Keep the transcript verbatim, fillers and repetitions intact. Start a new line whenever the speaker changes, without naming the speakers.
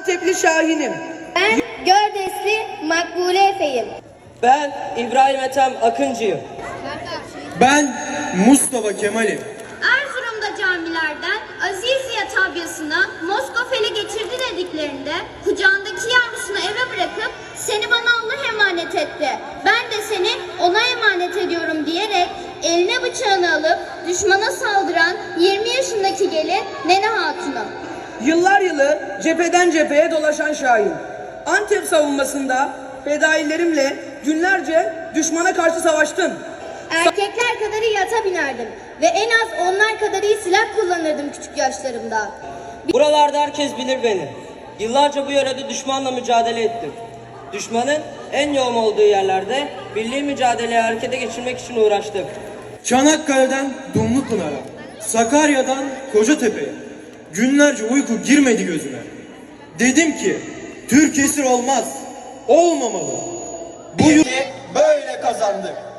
Antepli Şahin'im.
Ben Gördesli Makbule Efe'yim.
Ben İbrahim Ethem Akıncı'yım.
Ben Mustafa Kemal'im.
Erzurum'da camilerden Aziziye tabyasına Moskofeli getirdi dediklerinde kucağındaki yavrusunu eve bırakıp seni bana Allah emanet etti, ben de seni ona emanet ediyorum diyerek eline bıçağını alıp düşmana saldıran yirmi yaşındaki gelin Nene Hatun'u.
Yıllar yılı cepheden cepheye dolaşan Şahin. Antep savunmasında fedailerimle günlerce düşmana karşı savaştın.
Erkekler kadarı yata binerdim ve en az onlar kadar iyi silah kullanırdım küçük yaşlarımda.
Buralarda herkes bilir beni. Yıllarca bu yörede düşmanla mücadele ettim. Düşmanın en yoğun olduğu yerlerde birliği mücadeleye harekete geçirmek için uğraştım.
Çanakkale'den Dumlupınar'a, Sakarya'dan Kocatepe'ye günlerce uyku girmedi gözüme. Dedim ki Türk esir olmaz, olmamalı.
Bu yurdu böyle kazandık.